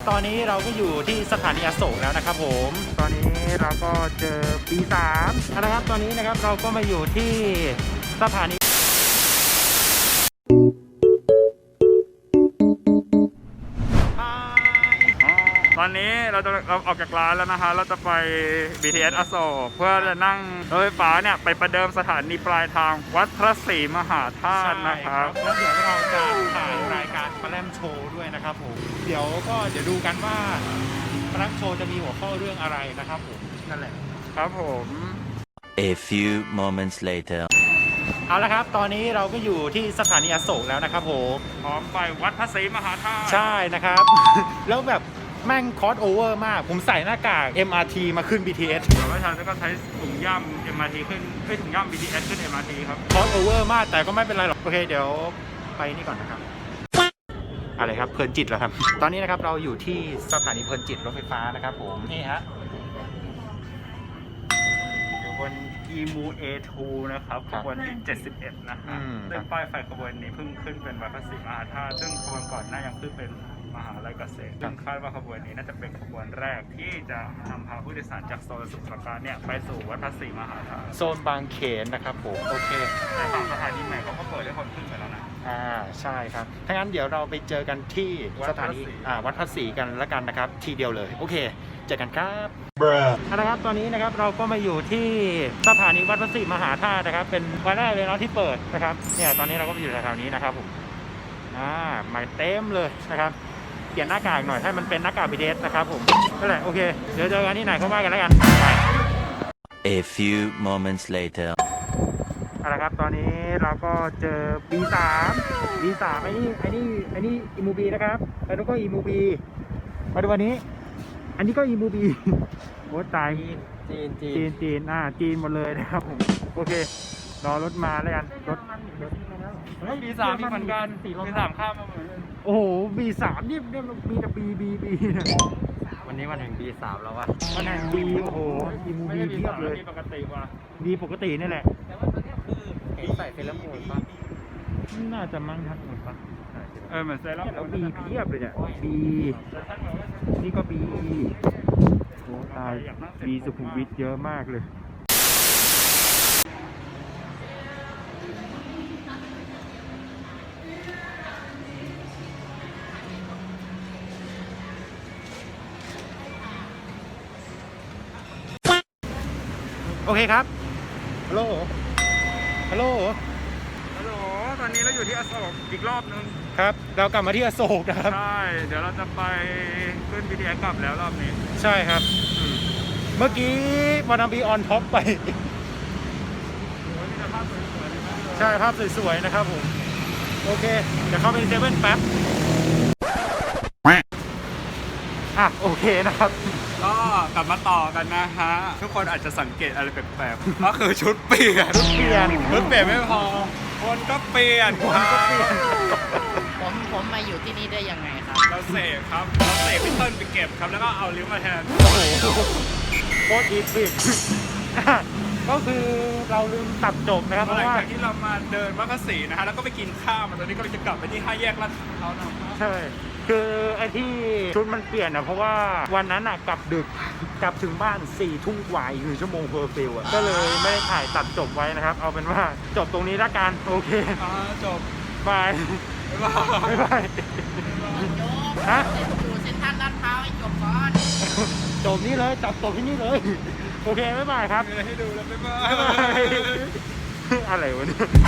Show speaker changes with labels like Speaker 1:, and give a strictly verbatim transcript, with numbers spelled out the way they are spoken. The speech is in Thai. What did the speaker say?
Speaker 1: ตอนนี้เราก็อยู่ที่สถานีอโศกแล้วนะครับผมตอนนี้เราก็เจอปีสามนะครับตอนนี้นะครับเราก็มาอยู่ที่สถานี
Speaker 2: ตอนนี้เราจะเราออกจากร้านแล้วนะคะเราจะไป บี ที เอส อโศกเพื่อจะนั่งรถไฟฟ้าเนี่ยไปประเดิมสถานีปลายทางวัดพระศรีมหาธาตุนะครับ
Speaker 1: แล้วเดี๋ยวเราจะถ่ายรายการปลาแรมโชว์ด้วยนะครับผมเดี๋ยวก็เดี๋ยวดูกันว่าปลาแรมโชว์จะมีหัวข้อเรื่องอะไรนะครับผมนั่นแหละ
Speaker 2: ครับผม
Speaker 3: A few moments later
Speaker 1: เอาละครับตอนนี้เราก็อยู่ที่สถานีอโศกแล้วนะครับผม
Speaker 2: พร้อมไปวัดพระศรีมหาธาตุ
Speaker 1: ใช่นะครับ แล้วแบบแม่งคอสโอเวอร์มากผมใส่หน้ากาก เอ็ม อาร์ ที มาขึ้น บี ที เอส
Speaker 2: แต่ว่าฉันก็ใช้ถุงย่ำ เอ็ม อาร์ ที ขึ้นเอ้ยถุงย่ำ บี ที เอส ขึ้น เอ็ม อาร์ ที ครับ
Speaker 1: คอสโอเวอร์มากแต่ก็ไม่เป็นไรหรอกโอเคเดี๋ยวไปนี่ก่อนนะครับอะไรครับเพลินจิตแล้วครับตอนนี้นะครับเราอยู่ที่สถานีเพลินจิตรถไฟฟ้านะครับผมนี่ฮะ
Speaker 2: อยู่บน อี เอ็ม ยู เอ ทู นะครับขบวนที่เจ็ดสิบเอ็ดนะฮะ
Speaker 1: อืม
Speaker 2: ซึ่งป้ายไฟขบวนนี้เพิ่งขึ้นเป็นวัดพระศรีมหาธาตุซึ่งขบวนก่อนหน้ายังขึ้นเป็นมหาลัยเกษตรซึ่งคาดว่าขบวนนี้น่าจะเป็นขบวนแรกที่จะนำพาผู้โดยสารจากโซนสมุทรปราการเนี่ยไปสู่วัดพระศรีมหาธาตุ
Speaker 1: โซนบางเขนนะครับผมโอเค
Speaker 2: ในฝั่งสถานีใหม่เขาก็เปิดให้คนขึ้นไปแล้วนะ
Speaker 1: อ่าใช่ครับถ้างั้นเดี๋ยวเราไปเจอกันที่
Speaker 2: วัด
Speaker 1: ส
Speaker 2: พระ
Speaker 1: ถานี
Speaker 2: ศรี
Speaker 1: อ่าวัดพระศรีกันแล้วกันนะครับทีเดียวเลยโอเคเจอกันครับเอาละครับตอนนี้นะครับเราก็มาอยู่ที่สถานีวัดพระศรีมหาธาตุนะครับเป็นวันแรกเลยเนาะที่เปิดนะครับเนี่ยตอนนี้เราก็มาอยู่แถวๆนี้นะครับผมอ่ามาเต็มเลยนะครับเปลี่ยนหน้ากากหน่อยให้มันเป็นหน้ากาก บี ที เอส นะครับผมก็แหละโอเคเดี๋ยวเจอกันที่ไหนก็ว่ากันแล้วกันไป
Speaker 3: A few moments later
Speaker 1: เอาละครับตอนนี้เราก็เจอ บี สาม บี สามไอ้นี่ไอ้นี่ไอ้นี่อีมูบีนะครับแล้วก็อีมูบีมาดูวันนี้อันนี้ก็อีมูบีโอ้ตาย
Speaker 4: จีนจี
Speaker 1: จี
Speaker 4: น
Speaker 1: นจีนอ่าจีนหมดเลยนะครับผมโอเครอรถมาแล้วกันรถ
Speaker 2: บีสามมีเหมือนกันบีสามข้ามมาเหมือนกัน
Speaker 1: โอ้โห บี สามนี่เนี่ยมีแต่ B B B นะ
Speaker 4: วันนี้วันแห่งปีสามแล้ววะ
Speaker 1: มันแห่ง B โอ้โหอีมู
Speaker 2: ไม่
Speaker 1: บี
Speaker 2: ใช่บี
Speaker 1: เพีย
Speaker 2: สา
Speaker 1: บ
Speaker 2: ม
Speaker 1: เลย
Speaker 2: มีปกติว่ะ
Speaker 1: B ปกตินี่แหละ
Speaker 4: เห็นใส่เซเลมูนปะ
Speaker 1: น่าจะมั้งครับหมดปะ
Speaker 2: เออเหมือนเซรั่ม
Speaker 1: แล้ว B เพียบเลยเนี่ย B นี่ก็ B โอ้ตาย B สุขุมวิทเยอะมากเลยโอเคครับฮัลโหลฮัลโหล
Speaker 2: ฮัลโหลตอนนี้เราอยู่ที่อโศกอีกรอบนึง
Speaker 1: ครับเรากลับมาที่อโศกนะครับ
Speaker 2: ใช่เดี๋ยวเราจะไปขึ้น บี ที เอส กลับแล้วรอบนี้
Speaker 1: ใช่ครับอืมเมื่อกี้วานาบีออนท็อปไป
Speaker 2: โอ้ยมีแต่ภาพสวยๆเลยนะ
Speaker 1: ใช่ภาพสวยๆนะครับผม โอเค เดี๋ยวเข้าไปในเซเว่นแป๊บอ่ะโอเคนะครับ
Speaker 2: ก็กลับมาต่อกันนะฮะ ทุกคนอาจจะสังเกตอะไรแปลกๆ ก็คือชุดเปลี่ยน
Speaker 1: เปลี่ยน
Speaker 2: ชุดเปลี่ยนไม่พอ คนก็เปลี่ยน
Speaker 1: คนก็เปลี่ยน
Speaker 4: ผมผมมาอยู่ที่นี่ได้ยังไงครับ
Speaker 2: เราเสกครับ เราเสกพี่เติ้ลไปเก็บครับ แล้วก็เอาลิ้วมาแทน
Speaker 1: โอ้โหโคตรอีพิก ก็คือเราลืมตัดจบนะครับเพ
Speaker 2: หลั
Speaker 1: ราะ
Speaker 2: ง
Speaker 1: ว่า
Speaker 2: จากที่เรามาเดินวัดพระศรีนะฮะ แล้วก็ไปกินข้าวมาตอนนี้ก็เลยจะกลับไปที่ห้าแยกลาดพร้าวนะครับ
Speaker 1: ใช่ คือไอ้ที่ชุดมันเปลี่ยนอ่ะเพราะว่าวันนั้นอ่ะกลับดึก กลับถึงบ้านสี่ทุ่มกว่าอีกหนึ่งชั่วโมงเพอร์ฟิวอ่ะ ก็เลยไม่ได้ถ่ายตัดจบไว้นะครับ เอาเป็นว่าจบตรงนี้ละกัน โอเค
Speaker 2: อ่าจบ
Speaker 1: บาย
Speaker 2: บ๊ายบาย
Speaker 1: บ๊ายบายฮะ
Speaker 4: อยู่เซ็นทรัลลาดพร้าวให้จบก่อน
Speaker 1: จบนี่เลยจับจบที่นี่เลย โอเค บ๊ายบายครับ
Speaker 2: มีอะไรให้ดูแล้วบ๊ายบา
Speaker 1: บ๊ายบาย
Speaker 2: ย
Speaker 1: อะไรวะเนี่ย